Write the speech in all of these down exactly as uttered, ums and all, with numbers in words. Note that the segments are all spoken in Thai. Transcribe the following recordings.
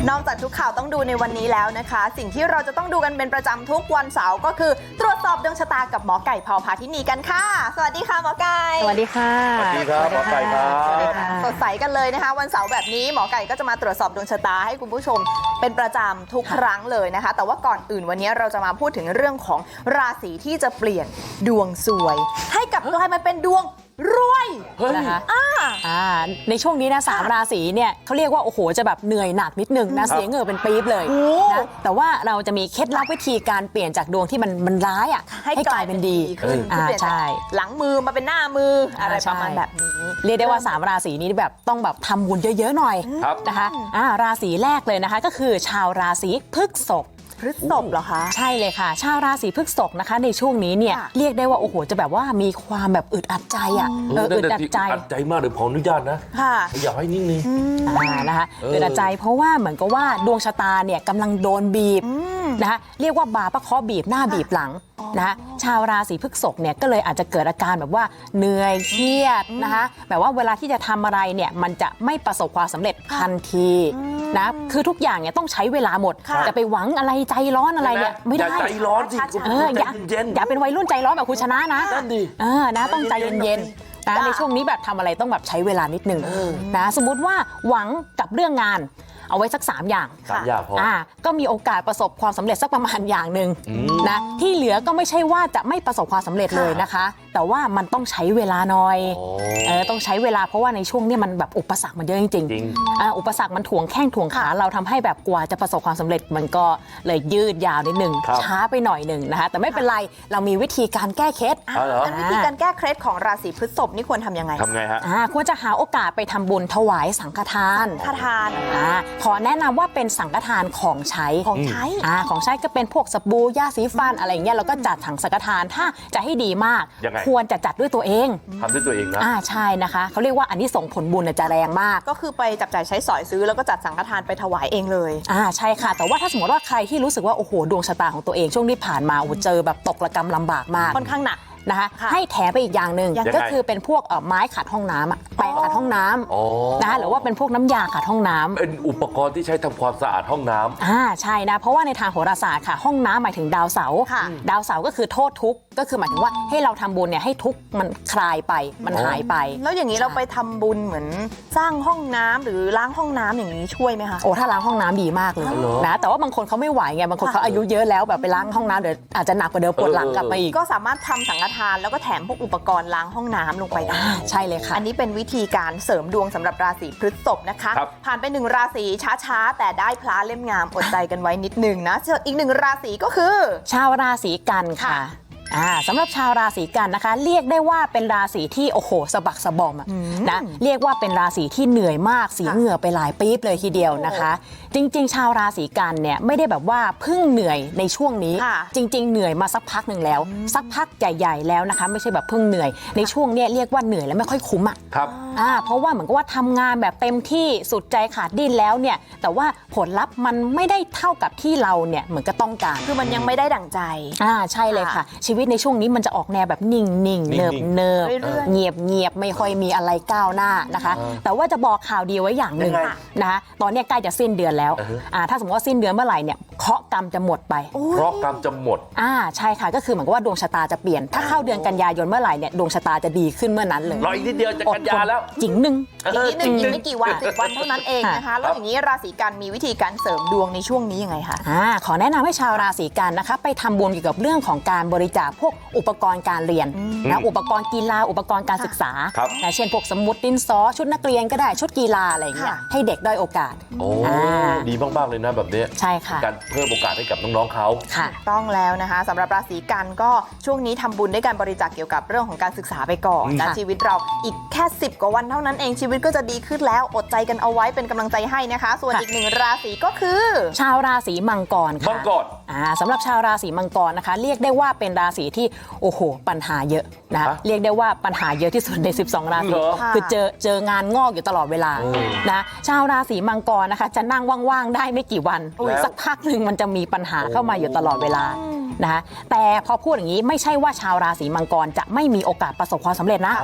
นอกจากทุกข่าวต้องดูในวันนี้แล้วนะคะสิ่งที่เราจะต้องดูกันเป็นประจำทุกวันเสาร์ก็คือตรวจสอบดวงชะตากับหมอไก่พพาธินีกันค่ะสวัสดีค่ะหมอไก่สวัสดีค่ะสวัสดีครับหมอไก่ครับสดใสกันเลยนะคะวันเสาร์แบบนี้หมอไก่ก็จะมาตรวจสอบดวงชะตาให้คุณผู้ชมเป็นประจำทุกครั้งเลยนะคะแต่ว่าก่อนอื่นวันนี้เราจะมาพูดถึงเรื่องของราศีที่จะเปลี่ยนดวงสวยให้กับกลายมาเป็นดวงรวยนะคะอ่าอ่าในช่วงนี้นะสามราศีเนี่ยเขาเรียกว่าโอ้โหจะแบบเหนื่อยหนักนิดนึงนะเสียเหงื่อเป็นปี๊บเลยนะแต่ว่าเราจะมีเคล็ดลับวิธีการเปลี่ยนจากดวงที่มันมันร้ายอ่ะให้กลายเป็นดีขึ้นอ่าใช่หลังมือมาเป็นหน้ามืออะไรประมาณแบบนี้เรียกได้ว่าสามราศีนี้แบบต้องแบบทำบุญเยอะๆหน่อยนะคะอ่าราศีแรกเลยนะคะก็คือชาวราศีพฤษภพฤษภเหรอคะใช่เลยค่ะชาวราศีพฤษภนะคะในช่วงนี้เนี่ยเรียกได้ว่าโอ้โหจะแบบว่ามีความแบบอึดอัดใจอ่ะเอออึดอัดใจอึดอัดใจมากเดี๋ยวขออนุญาตนะค่ะอยากให้นิ่งๆอ่านะคะอึดอัดใจเพราะว่าเหมือนกับว่าดวงชะตาเนี่ยกำลังโดนบีบนะคะเรียกว่าบาปะเคาะบีบหน้าบีบหลังนะคะชาวราศีพฤษภเนี่ยก็เลยอาจจะเกิดอาการแบบว่าเหนื่อยเครียดนะคะแบบว่าเวลาที่จะทำอะไรเนี่ยมันจะไม่ประสบความสำเร็จทันทีนะคือทุกอย่างเนี่ยต้องใช้เวลาหมดจะไปหวังอะไรใจร้อนอะไรเนี่ยไม่ได้ใจร้อนสิเอออย่าอย่าเป็นวัยรุ่นใจร้อนแบบคุณชนะนะนั่นดิเออนะต้องใจเย็นๆนะในช่วงนี้แบบทำอะไรต้องแบบใช้เวลานิดนึงนะสมมุติว่าหวังกับเรื่องงานเอาไว้สักสามอย่างสามอย่างพออ่าก็มีโอกาสประสบความสำเร็จสักประมาณอย่างหนึ่งนะที่เหลือก็ไม่ใช่ว่าจะไม่ประสบความสำเร็จเลยนะคะแต่ว่ามันต้องใช้เวลาหน่อยเออต้องใช้เวลาเพราะว่าในช่วงนี้มันแบบอุปสรรคมันเยอะจริงๆอ่าอุปสรรคมันถ่วงแข้งถ่วงขาเราทำให้แบบกว่าจะประสบความสำเร็จมันก็เลยยืดยาวนิดหนึ่งช้าไปหน่อยหนึ่งนะคะแต่ไม่เป็นไรเรามีวิธีการแก้เคล็ดงั้นวิธีการแก้เคล็ดของราศีพฤษภนี่ควรทำยังไงทำไงฮะอ่าควรจะหาโอกาสไปทำบุญถวายสังฆทานสังฆทานอ่าขอแนะนำว่าเป็นสังฆทานของใช้ของใช้อ่าของใช้ก็เป็นพวกสบู่ยาสีฟันอะไรเงี้ยเราก็จัดถังสังฆทานถ้าจะให้ดีมากควรจะจัดด้วยตัวเองทำด้วยตัวเองนะอ่าใช่นะคะเขาเรียกว่าอันนี้ส่งผลบุญจะแรงมากก็คือไปจับจ่ายใช้สอยซื้อแล้วก็จัดสังฆทานไปถวายเองเลยอ่าใช่ค่ะแต่ว่าถ้าสมมติว่าใครที่รู้สึกว่าโอ้โหดวงชะตาของตัวเองช่วงที่ผ่านมาโอ้เจอแบบตกระกำลำบากมากค่อนข้างหนักนะคะให้แถมไปอีกอย่างหนึ่งก็คือเป็นพวกไม้ขัดห้องน้ำแปรงขัดห้องน้ำนะคะหรือว่าเป็นพวกน้ำยาขัดห้องน้ำเป็นอุปกรณ์ที่ใช้ทำความสะอาดห้องน้ำอ่าใช่นะเพราะว่าในทางโหราศาสตร์ค่ะห้องน้ำหมายถึงดาวเสาร์ดาวเสาร์ก็คือโทษทุกข์ก็คือหมายถึงว่าให้เราทำบุญเนี่ยให้ทุกข์มันคลายไปมันหายไปแล้วอย่างนี้เราไปทำบุญเหมือนสร้างห้องน้ำหรือล้างห้องน้ำอย่างนี้ช่วยไหมคะโอ้ถ้าล้างห้องน้ำดีมากเลยนะแต่ว่าบางคนเขาไม่ไหวไงบางคนเขาอายุเยอะแล้วแบบไปล้างห้องน้ำเดี๋ยวอาจจะหนักกว่าเดิมปวดหลังกลับมาอีกก็สามารถทำสังฆทานแล้วก็แถมพวกอุปกรณ์ล้างห้องน้ำลงไปได้ใช่เลยค่ะอันนี้เป็นวิธีการเสริมดวงสำหรับราศีพฤษภนะคะผ่านไปหนึ่งราศีช้าๆแต่ได้พระเล่มงามอดใจกันไว้นิดนึงนะอีกหนึ่งราศีก็คือชาวราศีกันค่ะอ่าสำหรับชาวราศีกันนะคะเรียกได้ว่าเป็นราศีที่โอ้โหสะบักสะบอมนะเรียกว่าเป็นราศีที่เหนื่อยมากเสียเหงื่อไปหลายปี๊บเลยทีเดียวนะคะจริงๆชาวราศีกันเนี่ยไม่ได้แบบว่าเพิ่งเหนื่อยในช่วงนี้จริงๆเหนื่อยมาสักพักหนึ่งแล้วสักพักใหญ่ๆแล้วนะคะไม่ใช่แบบเพิ่งเหนื่อยในช่วงเนี้ยเรียกว่าเหนื่อยแล้วไม่ค่อยคุ้มอ่ะครับอ่าเพราะว่าเหมือนกับว่าทำงานแบบเต็มที่สุดใจขาดดิ้นแล้วเนี่ยแต่ว่าผลลัพธ์มันไม่ได้เท่ากับที่เราเนี่ยเหมือนก็ต้องการคือมันยังไม่ได้ดั่งใจอ่าใช่เลยค่ะชีวิตในช่วงนี้มันจะออกแนวแบบนิ่งๆเนิบเนิบเงียบเงียบไม่ค่อยมีอะไรก้าวหน้านะคะแต่ว่าจะบอกข่าวดีไว้อย่างหนึ่งนะคะตอนนี้ใกล้จะสิ้นเดือนแล้วอ่าถ้าสมมติว่าสิ้นเดือนเมื่อไหร่เนี่ยเคราะห์กรรมจะหมดไปเคราะห์กรรมจะหมดอ่าใช่ค่ะก็คือเหมือนกับว่าดวงชะตาจะเปลี่ยนถ้าเข้าเดือนกันยายนเมื่อไหร่เนี่ยดวงชะตาจะดีขึ้นเมื่อนั้นเลยรออีกนิดเดียวจะกันยาแล้วจิ๋งหนึ่งอีกนิดหนึ่งอีกไม่กี่วันสิบวันเท่านั้นเองนะคะแล้วอย่างนี้ราศีกันมีวิธีการเสริมดวงในช่วงนี้ยังไงคะอ่าขอแนะนำให้ชาวราศีกันนะคะไปทำบุญเกี่ยวกับเรื่องของการบริจาคพวกอุปกรณ์การเรียนนะอุปกรณ์กีฬาอุปกรณ์การศึกษาเช่นพวกสมุดดินสอชุดนักเรียนก็ได้ชุดกีฬาอะไรอย่างเงี้ยให้เด็กได้โอกาสโอ้ดีมากๆเลยนะแบบนี้ใช่ค่ะการเพิ่มโอกาสให้กับน้องๆเขาค่ะต้องแล้วนะคะสำหรับราศีกันก็ช่วงนี้ทำบุญด้วยการบริจาคเกี่ยวกับเรื่องของการศึกษาไปก่อนและชีวิตเราอีกแค่สิบกว่าวันเท่านั้นเองชีวิตก็จะดีขึ้นแล้วอดใจกันเอาไว้เป็นกำลังใจให้นะคะส่วนอีกหนึ่งราศีก็คือชาวราศีมังกรค่ะมังกรอ่าสำหรับชาวราศีมังกรนะคะเรียกได้ว่าเป็นราศีที่โอ้โหปัญหาเยอะนะเรียกได้ว่าปัญหาเยอะที่สุดในสิบสองราศีคือเจอเจองานงอกอยู่ตลอดเวลานะชาวราศีมังกรนะคะจะนั่งว่างๆได้ไม่กี่วันสักพักหนึ่งมันจะมีปัญหาเข้ามาอยู่ตลอดเวลานะคะแต่พอพูดอย่างนี้ไม่ใช่ว่าชาวราศีมังกรจะไม่มีโอกาสประสบความสำเร็จนะ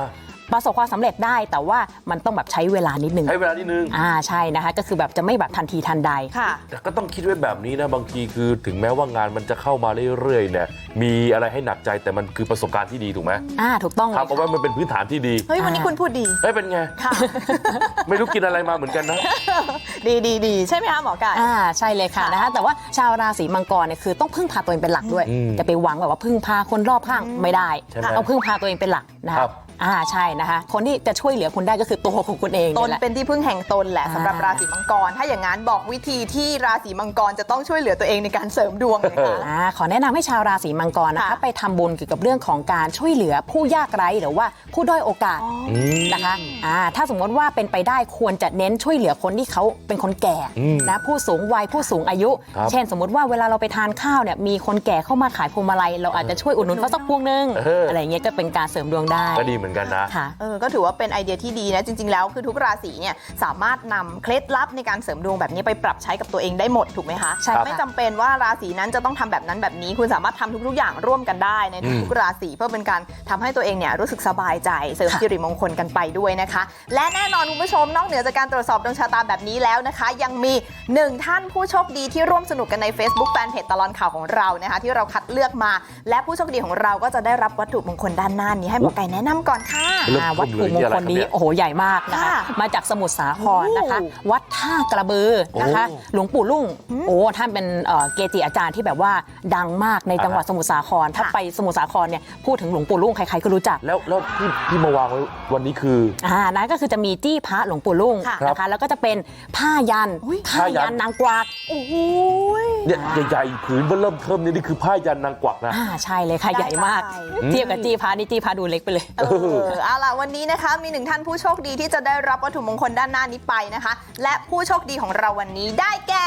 ประสบความสำเร็จได้แต่ว่ามันต้องแบบใช้เวลานิดนึงใช้เวลานิดนึงอ่าใช่นะคะก็คือแบบจะไม่แบบทันทีทันใดค่ะแต่ก็ต้องคิดไว้แบบนี้นะบางทีคือถึงแม้ว่างานมันจะเข้ามาเรื่อยๆเนี่ยมีอะไรให้หนักใจแต่มันคือประสบการณ์ที่ดีถูกไหมอ่าถูกต้องเลยทำเอาไว้มันเป็นพื้นฐานที่ดีเฮ้ยวันนี้คุณพูดดีเอ้ยเป็นไงค่ะไม่รู้กินอะไรมาเหมือนกันนะดีดีดีใช่ไหมคะหมอไก่อ่าใช่เลยค่ะค่ะนะคะแต่ว่าชาวราศีมังกรเนี่ยคือต้องพึ่งพาตัวเองเป็นหลักด้วยอืมจะไปหวังแบบว่าพึ่งพาคนรอบข้างไม่ได้ใช่ไหมต้องพึ่งพาตัวเองเป็นหลักนะครัคะบอ่าใช่นะคะคนที่จะช่วยเหลือคุณได้ก็คือตัวของคุณเองตนแหละเป็นที่พึ่งแห่งตนแหละอ่าสำหรับราศีมังกร ถ้าอย่างนั้นบอกวิธีที่ราศีมังกรจะต้องช่วยเหลือตัวเองในการเสริมดวงเลยค่ะอ่าขอแนะนำให้ชาวราศีมังกรนะคะค่ะไปทำบุญเกี่ยวกับเรื่องของการช่วยเหลือผู้ยากไร้หรือว่าผู้ด้อยโอกาสมนะคะอ่าถ้าสมมติว่าเป็นไปได้ควรจะเน้นช่วยเหลือคนที่เขาเป็นคนแก่อืมนะผู้สูงวัยผู้สูงอายุครับเช่น สมมติว่าเวลาเราไปทานข้าวเนี่ยมีคนแก่เข้ามาขายพวงมาลัยเราอาจจะช่วยอุดหนุนเขาสักพวงนึงเออออะไรเงี้ยก็เป็นการเสริมดวงได้ก็ดีเหมือนกันนะค่ะเออก็ถือว่าเป็นไอเดียที่ดีนะ จริง ๆ แล้วคือทุกราศีเนี่ยสามารถนำเคล็ดลับในการเสริมดวงแบบนี้ไปปรับใช้กับตัวเองได้หมดถูกไหมคะใช่ค่ะไม่จำเป็นว่าราศีนั้นจะต้องทำแบบนั้นแบบนี้ คุณสามารถทำทุก ๆ อย่างร่วมกันได้ในทุกๆราศีเพื่อเป็นการทำให้ตัวเองเนี่ยรู้สึกสบายใจเสริมค่ะสิริมงคลกันไปด้วยนะคะ และแน่นอนคุณผู้ชมนอกเหนือจากการตรวจสอบดวงชะตาแบบนี้แล้วนะคะ ยังมีหนึ่งท่านผู้โชคดีที่ร่วมสนุกกันใน Facebook Fanpage ตลอดข่าวของเรานะคะที่เราคัดเลือกมา และผู้โชคดีของเราก็จะได้รับวัตถุมงคลด้านหน้านี้ให้หมอไก่แนะนำก่อนค่ะเริ่มอ่าวัตถุมงคลนี้เริ่มเลยนี่อะไรครับเนี่ยโอ้โหใหญ่มากนะคะค่ะมาจากสมุทรสาครนะคะโอ้วัดท่ากระบือนะคะโอ้หลวงปู่ลุ่งโอ้ท่านเป็นเอ่อเกจิอาจารย์ที่แบบว่าดังมากในจังหวัดสมุทรสาครถ้าไปสมุทรสาครเนี่ยพูดถึงหลวงปู่ลุ่งใครๆก็รู้จักแล้วแล้วที่ที่มาวางไว้วันนี้คืออ่านั่นก็คือจะมีจี้พระหลวงปู่ลุ่งค่ะนะคะแล้วก็จะเป็นผ้ายันอุ๊ยผ้ายันนางกวักโอ้โหเนี่ยใหญ่ๆผืนเบื้อเริ่มเทิมนี่นี่คือผ้ายันนางกวักนะอ่าใช่เลยค่ะใหญ่มากได้เทียบกับจี้พระนี่จี้พระดูเล็กไปเลยเออเอาล่ะวันนี้นะคะมีหนึ่งท่านผู้โชคดีที่จะได้รับวัตถุมงคลด้านหน้านี้ไปนะคะ และผู้โชคดีของเราวันนี้ได้แก่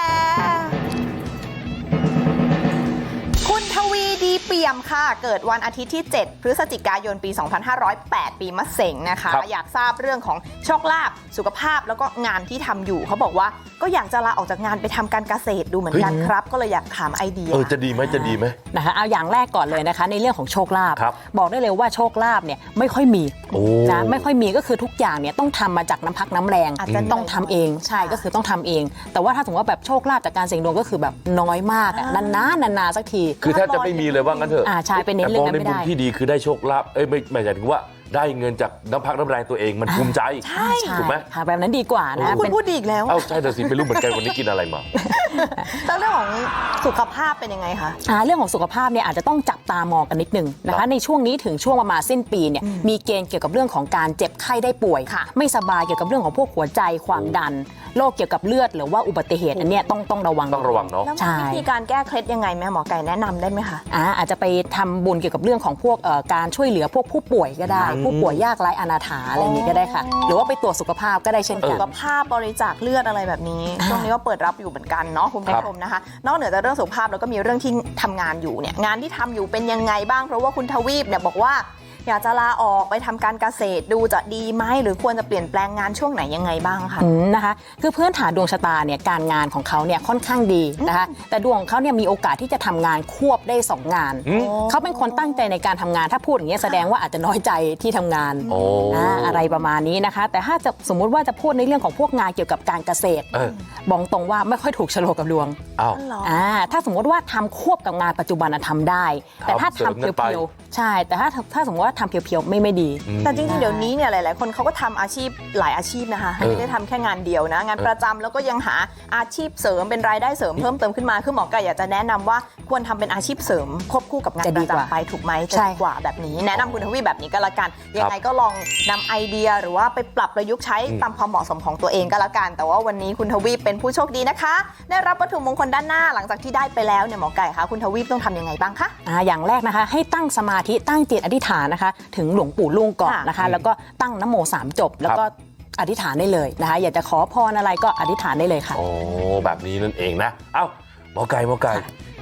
คุณทวีดีเปี่ยมค่ะ เกิดวันอาทิตย์ที่ เจ็ด พฤศจิกายนปี สองพันห้าร้อยแปด ปีมะเส็งนะคะครับอยากทราบเรื่องของโชคลาภสุขภาพแล้วก็งานที่ทำอยู่เขาบอกว่าก็อยากจะลาออกจากงานไปทำการเกษตรดูเหมือนกันครับ ก็เลยอยากถามไอเดียเออจะดีไหมจะดีไหมนะคะเอาอย่างแรกก่อนเลยนะคะในเรื่องของโชคลาภครับบอกได้เลยว่าโชคลาภเนี่ยไม่ค่อยมีโอ้นะไม่ค่อยมีก็คือทุกอย่างเนี่ยต้องทำมาจากน้ำพักน้ำแรงอาจจะต้องทำเองใช่ก็คือต้องทำเอง แต่ว่าถ้าสมมติว่าแบบโชคลาภจากการเสี่ยงดวงก็คือแบบน้อยมากอะนานๆนานๆสักทีคือแทบจะไม่มีเลยว่างั้นเถอะอ่าใช่เป็นเน้นเรื่องนั้นแต่มองในไม่มุได้มที่ดีคือได้โชคลาภเอ้ยไม่ไม่ใช่ถึงว่าได้เงินจากน้ำพักน้ำแรงตัวเองมันภูมิใจใช่ถูกไหมค่ะแบบนั้นดีกว่านะคุณเป็นพูดดีอีกแล้วเอ้าใช่แต่สิไม่รู้เหมือนกันวันนี้กินอะไรมาแล้วเรื่องของสุขภาพเป็นยังไงคะอ่าเรื่องของสุขภาพเนี่ยอาจจะต้องจับตามองกันนิดนึงนะครัคะบในช่วงนี้ถึงช่วงประมาณสิ้นปีเนี่ยมีเกณฑ์เกี่ยวกับเรื่องของการเจ็บไข้ได้ป่วยค่ะไม่สบายเกี่ยวกับเรื่องของพวกหัวใจความดันโรคเกี่ยวกับเลือดหรือว่าอุบัติเหตุอันเนี้ยต้องต้องระวังต้องระวังเนาะแล้วใช่มีวิธีการแก้เคล็ดยังไงแม่หมอไก่แนะนำได้ไหมคะอ่าอาจจะไปทำบุญเกี่ยวกับเรื่องของพวกเอ่อการช่วยเหลือพวกผู้ป่วยก็ได้อืมผู้ป่วยยากไร้อนาถาอะไรอย่างนี้ก็ได้ค่ะ หรือว่าไปตรวจสุขภาพก็ได้เช่นกัสุนขภาพบริจาคเลือดอะไรแบบนี้อ่าช่วงนี้ก็เปิดรับอยู่เหมือนกันเนาะคุณผู้ชมนะคะ นอกเหนือจากเรื่องสุขภาพแล้วก็มีเรื่องที่ทำงานอยู่เนี่ยงานที่ทำอยู่เป็นยังไงบ้างเพราะว่าคุณทวีปเนี่ยบอกว่า อยากจะลาออกไปทำการเกษตรดูจะดีไหมหรือควรจะเปลี่ยนแปลงงานช่วงไหนยังไงบ้างคะอืมนะคะคือพื้นฐานดวงชะตาเนี่ยการงานของเขาเนี่ยค่อนข้างดีนะคะแต่ดวงของเขาเนี่ยมีโอกาสที่จะทำงานควบได้สองงานอืมเขาเป็นคนตั้งใจในการทำงานถ้าพูดอย่างนี้ยแสดงว่าอาจจะน้อยใจที่ทำงานโอ้อ่าอะไรประมาณนี้นะคะ แต่ถ้าจะสมมุติว่าจะพูดในเรื่องของพวกงานเกี่ยวกับการเกษตรเออบอกตรงว่าไม่ค่อยถูกโฉลกกับดวงอ้าวเหรออ่าถ้าสมมติว่าทำควบกับงานปัจจุบันอะทำได้ แต่ถ้าทำเสริมทำกันไปเพียวๆใช่ แต่ถ้าถ้าสมมติว่าทำเพียวๆไม่ไม่ดีอืมแต่จริงๆ เดี๋ยวนี้เนี่ยหลายๆ คนเขาก็ทำอาชีพหลายอาชีพนะคะเออไม่ได้ทำแค่งานเดียวนะ งานประจำแล้วก็ยังหาอาชีพเสริมเป็นรายได้เสริมเพิ่มเติมขึ้นมาคือหมอไก่อยากจะแนะนำว่าควรทำเป็นอาชีพเสริมควบคู่กับงานจะปดีระกว่าจำไปถูกไหมจะใช่ดีกว่าแบบนี้ แนะนำคุณทวีแบบนี้ก็แล้วกันยังไงก็ลองนำไอเดียหรือว่าไปปรับประยุกต์ใช้ตามความเหมาะสมของตัวเองก็แล้วกัน แต่ว่าวันนี้คุณทวีเป็นผู้โชคดีนะคะ ได้รับวัตถุมงคลด้านหน้าหลังจากที่ได้ไปแล้วเนี่ยหมอไก่คะคุณทวีต้องทำยังไงบ้างคะอ่าอย่างแรกนะคะให้ตั้งสมาธิตั้งจิตอธิษฐานนะคะ ถึงหลวงปู่ลุงก่อนค่ะนะคะ แล้วก็ตั้งนะโมสามจบ แล้วก็อธิษฐานได้เลยนะคะ อยากจะขอพรอะไรก็อธิษฐานได้เลยค่ะโอ้แบบนี้นั่นเองนะ เอ้าหมอไก่หมอไก่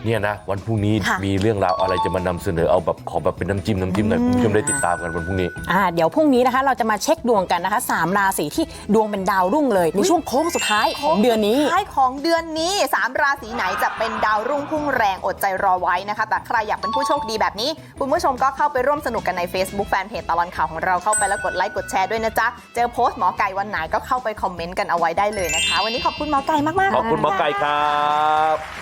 เนี่ยนะวันพรุ่งนี้ค่ะมีเรื่องราวอะไรจะมานำเสนอเอาแบบขอแบบเป็นน้ำจิ้มน้ำจิ้มหน่อยคุณผู้ชมได้ติดตามกันวันพรุ่งนี้อ่าเดี๋ยวพรุ่งนี้นะคะเราจะมาเช็คดวงกันนะคะสามราศีที่ดวงเป็นดาวรุ่งเลยในช่วงโค้งสุดท้ายของเดือนนี้ท้ายของเดือนนี้สามราศีไหนจะเป็นดาวรุ่งพุ่งแรงอดใจรอไว้นะคะแต่ใครอยากเป็นผู้โชคดีแบบนี้คุณผู้ชมก็เข้าไปร่วมสนุกกันใน Facebook แฟนเพจตลอดข่าวของเราเข้าไปแล้วกดไลค์กดแชร์ด้วยนะจ๊ะเจอโพสต์หมอไก่วันไหนก็เข้าไปคอมเมนต์กันเอาไว้ได้เลยนะคะวันนี้ขอบคุณหมอไก่มากๆขอบคุณหมอไก่ครับ